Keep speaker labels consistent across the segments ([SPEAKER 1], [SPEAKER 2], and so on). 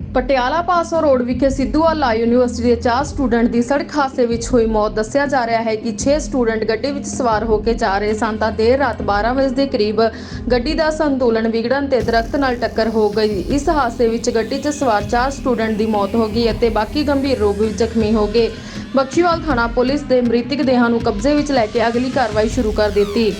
[SPEAKER 1] ਪਟਿਆਲਾ ਪਾਸੋਂ ਰੋਡ ਵਿਖੇ ਸਿੱਧੂਵਾਲਾ ਯੂਨੀਵਰਸਿਟੀ ਦੇ 4 ਸਟੂਡੈਂਟ ਦੀ ਸੜਕ ਹਾਦਸੇ ਵਿੱਚ ਹੋਈ ਮੌਤ। ਦੱਸਿਆ ਜਾ ਰਿਹਾ ਹੈ ਕਿ 6 ਸਟੂਡੈਂਟ ਗੱਡੀ ਵਿੱਚ ਸਵਾਰ ਹੋ ਕੇ ਜਾ ਰਹੇ ਸਨ ਤਾਂ ਦੇਰ ਰਾਤ 12 ਵਜੇ ਦੇ ਕਰੀਬ ਗੱਡੀ ਦਾ ਸੰਤੁਲਨ ਵਿਗੜਨ ਤੇ ਦਰਖਤ ਨਾਲ ਟੱਕਰ ਹੋ ਗਈ। ਇਸ ਹਾਦਸੇ ਵਿੱਚ ਗੱਡੀ 'ਚ ਸਵਾਰ 4 ਸਟੂਡੈਂਟ ਦੀ ਮੌਤ ਹੋ ਗਈ ਅਤੇ ਬਾਕੀ ਗੰਭੀਰ ਰੂਪ ਵਿੱਚ ਜ਼ਖਮੀ ਹੋ ਗਏ। ਬਖਸ਼ੀਵਾਲ ਥਾਣਾ ਪੁਲਿਸ ਦੇ ਮ੍ਰਿਤਕ ਦੇਹਾਂ ਨੂੰ ਕਬਜ਼ੇ ਵਿੱਚ ਲੈ ਕੇ ਅਗਲੀ ਕਾਰਵਾਈ ਸ਼ੁਰੂ ਕਰ ਦਿੱਤੀ।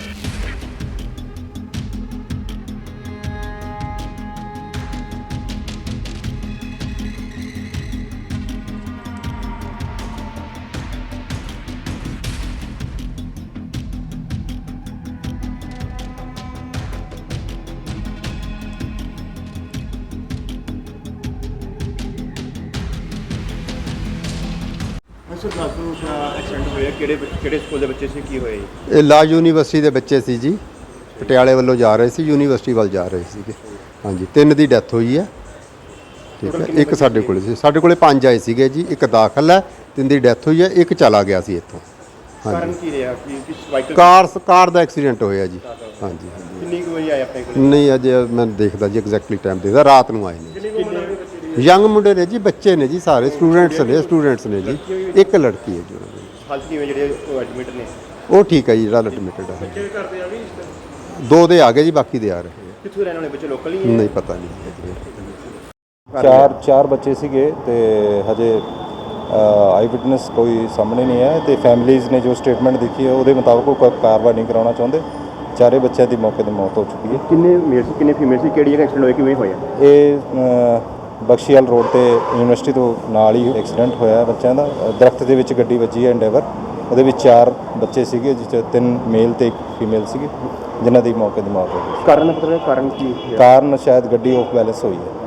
[SPEAKER 2] ਸਰ ਦੱਸੋ ਐਕਸੀਡੈਂਟ ਹੋਇਆ ਕਿਹੜੇ ਸਕੂਲ ਦੇ ਬੱਚੇ ਸੀ, ਕੀ ਹੋਇਆ ਜੀ?
[SPEAKER 3] ਇਹ ਲਾ ਯੂਨੀਵਰਸਿਟੀ ਦੇ ਬੱਚੇ ਸੀ ਜੀ, ਪਟਿਆਲੇ ਵੱਲੋਂ ਜਾ ਰਹੇ ਸੀ, ਯੂਨੀਵਰਸਿਟੀ ਵੱਲ ਜਾ ਰਹੇ ਸੀਗੇ। ਹਾਂਜੀ, 3 ਦੀ ਡੈਥ ਹੋਈ ਹੈ। ਠੀਕ ਹੈ, ਇੱਕ ਸਾਡੇ ਕੋਲ ਸੀ, ਸਾਡੇ ਕੋਲੇ 5 ਆਏ ਸੀਗੇ ਜੀ। ਇੱਕ ਦਾਖਲ ਹੈ, 3 ਦੀ ਡੈਥ ਹੋਈ ਹੈ, ਇੱਕ ਚਲਾ ਗਿਆ ਸੀ ਇੱਥੋਂ।
[SPEAKER 2] ਕਾਰਨ ਕੀ ਰਿਹਾ ਕਿ ਵਾਹੀਕਲ
[SPEAKER 3] ਕਾਰ ਦਾ ਐਕਸੀਡੈਂਟ ਹੋਇਆ ਜੀ। ਹਾਂਜੀ,
[SPEAKER 2] ਕਿੰਨੀ ਕੁ ਵਜੇ ਆਏ ਆਪਣੇ ਕੋਲ?
[SPEAKER 3] ਨਹੀਂ ਅਜੇ ਮੈਂ ਦੇਖਦਾ ਜੀ, ਐਗਜ਼ੈਕਟਲੀ ਟਾਈਮ ਦੇਖਦਾ, ਰਾਤ ਨੂੰ ਆਏ ਨੇ। ਯੰਗ ਮੁੰਡੇ ਨੇ ਜੀ, ਬੱਚੇ ਨੇ ਜੀ, ਸਾਰੇ ਸਟੂਡੈਂਟਸ ਨੇ ਜੀ। ਇੱਕ ਲੜਕੀ ਹੈ ਜੀ ਉਹਨਾਂ ਦੀ।
[SPEAKER 2] ਹਾਲਤ ਕਿਵੇਂ ਜਿਹੜੇ ਐਡਮਿਟ ਨੇ?
[SPEAKER 3] ਉਹ ਠੀਕ ਹੈ ਜੀ, ਜਿਹੜਾ ਐਡਮਿਟਡ ਹੈ। 2 ਦੇ ਆ ਗਏ ਜੀ, ਬਾਕੀ ਦੇ ਆ ਰਹੇ।
[SPEAKER 2] ਕਿੱਥੋਂ ਰਹਿਣ ਵਾਲੇ ਬੱਚੇ? ਲੋਕਲ ਹੀ ਹੈ?
[SPEAKER 3] ਨਹੀਂ ਪਤਾ ਨਹੀਂ।
[SPEAKER 4] ਚਾਰ ਬੱਚੇ ਸੀਗੇ ਤੇ ਹਜੇ ਆਈ ਵਿਟਨੈਸ ਕੋਈ ਸਾਹਮਣੇ ਨਹੀਂ ਹੈ ਤੇ ਫੈਮਿਲੀਜ਼ ਨੇ ਜੋ ਸਟੇਟਮੈਂਟ ਦਿੱਤੀ ਹੈ ਉਹਦੇ ਮੁਤਾਬਕ ਉਹ ਕਾਰਵਾਈ ਨਹੀਂ ਕਰਾਉਣਾ ਚਾਹੁੰਦੇ। ਚਾਰੇ ਬੱਚਿਆਂ ਦੀ ਮੌਕੇ 'ਤੇ ਮੌਤ ਹੋ ਚੁੱਕੀ ਹੈ।
[SPEAKER 2] ਕਿੰਨੇ ਮੇਲ ਸੀ, ਕਿੰਨੇ ਫੀਮੇਲ ਸੀ? ਕਿਹੜੀ ਜਗ੍ਹਾ ਐਕਸੀਡੈਂਟ ਹੋਇਆ, ਕਿਵੇਂ ਹੋਇਆ?
[SPEAKER 4] ਇਹ ਬਖਸ਼ੀਵਾਲ ਰੋਡ ਤੇ ਯੂਨੀਵਰਸਿਟੀ ਤੋਂ ਨਾਲ ਹੀ ਐਕਸੀਡੈਂਟ ਹੋਇਆ ਬੱਚਿਆਂ ਦਾ। ਦਰਖਤ ਦੇ ਵਿੱਚ ਗੱਡੀ ਵੱਜੀ ਹੈ ਐਂਡੇਵਰ। ਉਹਦੇ ਵਿੱਚ 4 ਬੱਚੇ ਸੀਗੇ, ਜਿਸ 'ਚ 3 ਮੇਲ ਤੇ 1 ਫੀਮੇਲ ਸੀਗੀ, ਜਿਨ੍ਹਾਂ ਦੀ ਮੌਕੇ 'ਤੇ ਮੌਤ ਹੋ ਗਈ।
[SPEAKER 2] ਕਾਰਨ ਕੀ?
[SPEAKER 4] ਕਾਰਨ ਸ਼ਾਇਦ ਗੱਡੀ ਆਫ ਬੈਲੈਂਸ ਹੋਈ ਹੈ।